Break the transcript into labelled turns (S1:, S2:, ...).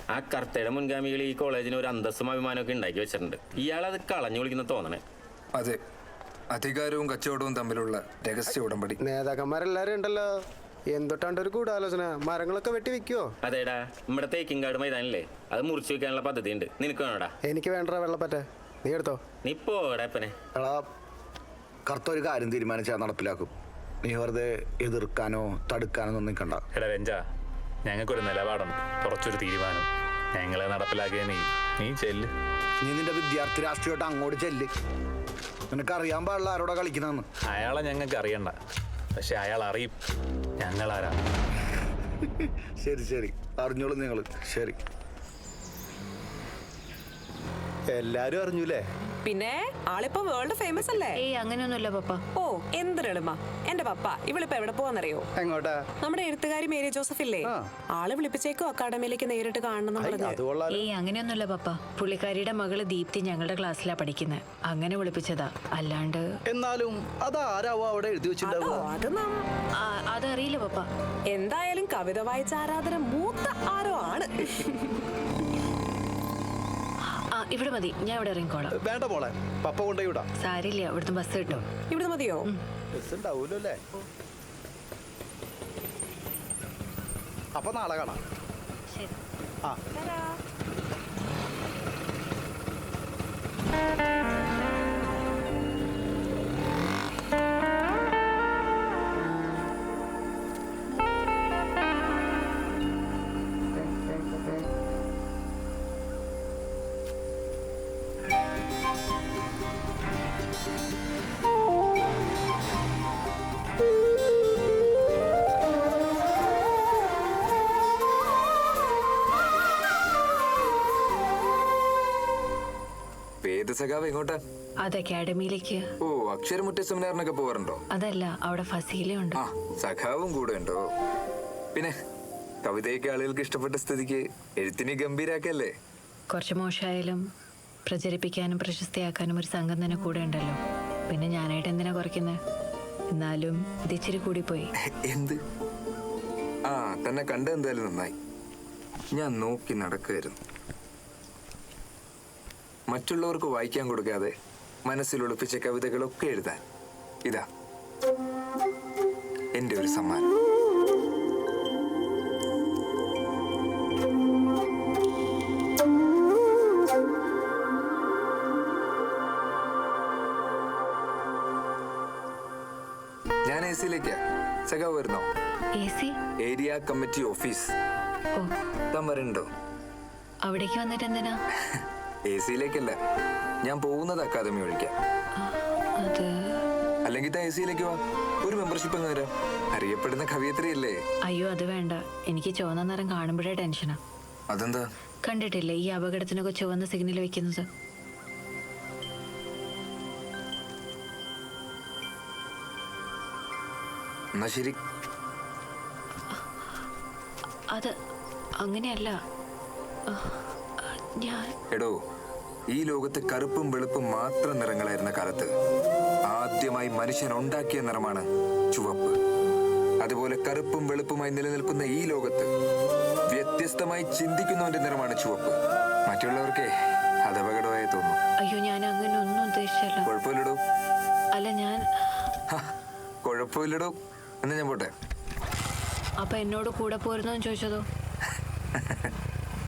S1: ആ കർത്തയുടെ മുൻഗാമികൾ ഈ കോളേജിന് ഒരു അന്തസ്സും അഭിമാനമൊക്കെ ഉണ്ടാക്കി വെച്ചിട്ടുണ്ട്. ഇയാളത് കളഞ്ഞു വിളിക്കുന്ന തോന്നണേ.
S2: അതെ, അധികാരവും കച്ചവടവും തമ്മിലുള്ള രഹസ്യ ഉടമ്പടി.
S3: നേതാക്കന്മാരെല്ലാരും ഉണ്ടല്ലോ, എന്തൊട്ടാണ്ട് ഒരു ഗൂഢാലോചന. മരങ്ങളൊക്കെ വെട്ടി വെക്കുവോ?
S1: അതേടാ, നമ്മുടെ തേക്കിൻകാട് മൈതാനില്ലേ, അത് മുറിച്ചു വെക്കാനുള്ള പദ്ധതി ഉണ്ട്. നിനക്ക് വേണോടാ?
S3: എനിക്ക് വേണ്ട വെള്ളപ്പറ്റ, നീ എടുത്തോ.
S1: നീ പോടാ ഇപ്പനെ.
S4: കറുത്ത ഒരു കാര്യം തീരുമാനിച്ചാൽ നടപ്പിലാക്കും. നീ വെറുതെ എതിർക്കാനോ തടുക്കാനോ ഒന്നും നിൽക്കണ്ട.
S5: എടാ രഞ്ജ, ഞങ്ങൾക്കൊരു നിലപാടുണ്ട്, കുറച്ചൊരു തീരുമാനം. ഞങ്ങളെ നടപ്പിലാക്കിയ നീ ചെല്ല്.
S4: നീ നിന്റെ വിദ്യാർത്ഥി രാഷ്ട്രീയമായിട്ട് അങ്ങോട്ട് ചെല്ല്. നിനക്കറിയാൻ പാടില്ല ആരോടാ കളിക്കുന്നതെന്ന്.
S5: അയാളെ ഞങ്ങൾക്ക് അറിയണ്ട, പക്ഷെ അയാൾ അറിയും ഞങ്ങളാരാ.
S4: ശരി ശരി, അറിഞ്ഞോളൂ നിങ്ങൾ. ശരി,
S3: എല്ലാരും അറിഞ്ഞൂലേ?
S6: പിന്നെ ആളിപ്പോ വേൾഡ് ഫേമസ് അല്ലേ?
S7: ഏയ് അങ്ങനെയൊന്നുമില്ല പപ്പ.
S6: ഓ എന്തൊരെളുമ. എന്റെ പപ്പ ഇവളിപ്പോ എവിടെ പോവാന്നറിയോ?
S3: എങ്ങോട്ടാ?
S6: നമ്മുടെ എഴുത്തുകാരി മേരി ജോസഫ് ഇല്ലേ, ആള് വിളിപ്പിച്ചേക്കോ അക്കാഡമിയിലേക്ക് നേരിട്ട് കാണണം.
S7: ഏയ് അങ്ങനെയൊന്നുമില്ല പപ്പ. പുള്ളിക്കാരിയുടെ മകള് ദീപ്തി ഞങ്ങളുടെ ക്ലാസ്സിലാ പഠിക്കുന്നത്, അങ്ങനെ വിളിപ്പിച്ചതാ. അല്ലാണ്ട്
S8: എന്നാലും അതാരാവോ അവിടെ എഴുതി വെച്ചിട്ടുണ്ടാവുക?
S7: അതറിയില്ല പപ്പ.
S6: എന്തായാലും കവിത വായിച്ച ആരാധന മൂത്ത ആരോ ആണ്.
S7: ഇവിടെ മതി, ഞാൻ ഇവിടെ ഇറങ്ങിക്കോളാം.
S8: വേണ്ട മോളെ, പപ്പ കൊണ്ടുപോയി വിടാം.
S7: സാരില്ല, ഇവിടുന്ന് ബസ് കിട്ടും.
S6: ഇവിടെ മതിയോ?
S8: ബസ് ഉണ്ടാവൂല്ലോ അല്ലേ? അപ്പൊ നാളെ കാണാം.
S7: ശരി.
S8: ആ
S2: സഖാവ് എങ്ങോട്ടാ?
S7: അത് അക്കാഡമിയിലേക്ക്.
S2: ഓ, അക്ഷരമുറ്റ സെമിനാറിനൊക്കെ പോവാറുണ്ടോ?
S7: അതല്ല, അവിടെ ഫസീലയുണ്ട്.
S2: ആ, സഖാവും കൂടെ ഉണ്ടോ? പിന്നെ കവിതയൊക്കെ ആളുകൾക്ക് ഇഷ്ടപ്പെട്ട സ്ഥിതിക്ക് എഴുത്തിനെ ഗംഭീരാക്കല്ലേ?
S7: കുറച്ച് മോശമായാലും പ്രചരിപ്പിക്കാനും പ്രശസ്തിയാക്കാനും ഒരു സംഘം തന്നെ കൂടെ ഉണ്ടല്ലോ. പിന്നെ ഞാനായിട്ട് എന്തിനാ കുറയ്ക്കുന്നത്? എന്നാലും ഇതിച്ചിരി കൂടിപ്പോയി.
S2: എന്ത്? ആ, തന്നെ കണ്ട എന്തായാലും നന്നായി. ഞാൻ നോക്കി നടക്കുമായിരുന്നു. മറ്റുള്ളവർക്ക് വായിക്കാൻ കൊടുക്കാതെ മനസ്സിൽ ഒളിപ്പിച്ച കവിതകളൊക്കെ എഴുതാൻ ഇതാ എൻ്റെ ഒരു സമ്മാനം. ഞാൻ AC-ലേക്കാ. സഖാവ് വരുന്നോ? Area committee office. താൻ വരണ്ടോ?
S7: അവിടേക്ക് വന്നിട്ട് എന്തിനാ?
S2: AC-ലേക്കല്ല, ഞാൻ പോകുന്നത് അക്കാദമി ഒഴിക്കാം. അല്ലെങ്കിൽ AC-ലേക്ക് വാ, ഒരു മെമ്പർഷിപ്പ് അങ്ങ് തരാം. അറിയപ്പെടുന്ന കവിയത്രിയല്ലേ?
S7: അയ്യോ അത് വേണ്ട, എനിക്ക് ചുവന്ന നിറം കാണുമ്പോഴേ ടെൻഷനാ.
S2: അതെന്താ?
S7: കണ്ടിട്ടില്ലേ ഈ അപകടത്തിനൊക്കെ ചുവന്ന സിഗ്നൽ വെക്കുന്നത്?
S2: എന്നാ ശരി.
S7: അത് അങ്ങനെയല്ല.
S2: എടോ, ഈ ലോകത്ത് കറുപ്പും വെളുപ്പും മാത്രം നിറങ്ങളായിരുന്ന കാലത്ത് ആദ്യമായി മനുഷ്യൻ ഉണ്ടാക്കിയ നിറമാണ് ചുവപ്പ്. അതുപോലെ കറുപ്പും വെളുപ്പുമായി നിലനിൽക്കുന്ന ഈ ലോകത്ത് വ്യത്യസ്തമായി ചിന്തിക്കുന്നവന്റെ നിറമാണ് ചുവപ്പ്. മറ്റുള്ളവർക്ക് അത് അപകടമായി തോന്നും.
S7: അയ്യോ, ഞാൻ അങ്ങനെ ഒന്നും ഉദ്ദേശിച്ചല്ല.
S2: കുഴപ്പമില്ലടോ.
S7: അല്ല, ഞാൻ
S2: കുഴപ്പമില്ലടോ. എന്നാ ഞാൻ പോട്ടെ.
S7: അപ്പൊ എന്നോട് കൂടെ പോരുന്നോ ചോദിച്ചതോ?